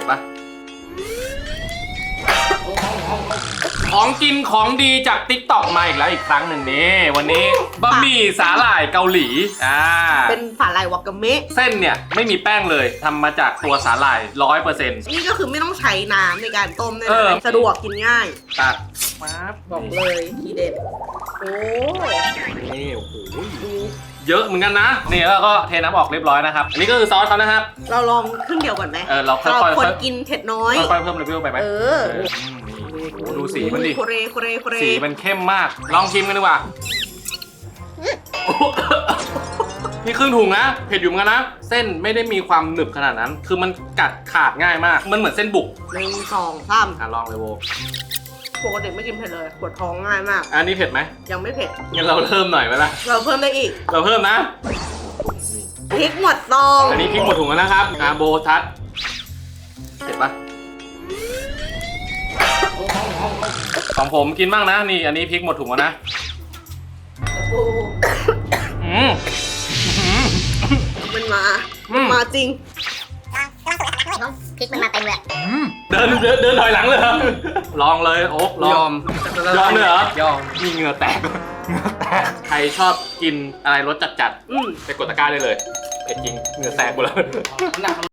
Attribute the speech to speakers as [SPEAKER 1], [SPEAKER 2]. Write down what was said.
[SPEAKER 1] ปะของกินของดีจาก TikTok มาอีกแล้วอีกครั้งหนึ่งนี่วันนี้บะหมี่สาหร่ายเกาหลี
[SPEAKER 2] เป็นสาหร่ายวากาเมะ
[SPEAKER 1] เส้นเนี่ยไม่มีแป้งเลยทำมาจากตัวสาหร่าย 100%
[SPEAKER 2] นี่ก็คือไม่ต้องใช้น้ำในการต้มเลยนะสะดวกกินง่าย
[SPEAKER 1] ตัดมา
[SPEAKER 2] บอกเลยทีเด็ดโอ้
[SPEAKER 1] นี่โอ้โหเยอะเหมือนกันนะนี่แล้วก็เทน้ำออกเรียบร้อยนะครับอันนี้ก็คือซอสเขานะครับ
[SPEAKER 2] เราลองครึ่งเดียวก่อนไหม
[SPEAKER 1] เราค่อยๆ
[SPEAKER 2] คนกินเผ็ดน้อย
[SPEAKER 1] ค่อยๆเพิ่มเลเวลไปไหมดูสีมันดิสีมันเข้มมากลองชิมกันดีกว่านี่ครึ่งถุงนะเผ็ดอยู่เหมือนกันนะเส้นไม่ได้มีความหนึบขนาดนั้นคือมันกัดขาดง่ายมากมันเหมือนเส้นบุก
[SPEAKER 2] 1 2 3
[SPEAKER 1] ลองเลยโว
[SPEAKER 2] ปกติไม่กินเผ็ดเลยปวดท้องง่ายมาก
[SPEAKER 1] อันนี้เผ็ดไหม
[SPEAKER 2] ยังไม่เผ็ด
[SPEAKER 1] งั้นเราเพิ่มหน่อยไหมล่ะ
[SPEAKER 2] เราเพิ่มได้อีก
[SPEAKER 1] เราเพิ่มนะ
[SPEAKER 2] พริกหมดตอง
[SPEAKER 1] อันนี้พริกหมดถุงแล้วนะครับโบทัสเผ็ดปะของผมกินบ้างนะนี่อันนี้พริกหมดถุงแล้วนะ
[SPEAKER 2] มันมาจริง
[SPEAKER 3] พริกมันมาเต็มเลย
[SPEAKER 1] เดินถอยหลังเลยลองเลยโอ๊กยอมเลยเหรอยอมมีเหงื่อแตกใครชอบกินอะไรรสจัดๆไปกดตะกร้าได้เลยเผ็ดจริงเหงื่อแตกหมดแล้ว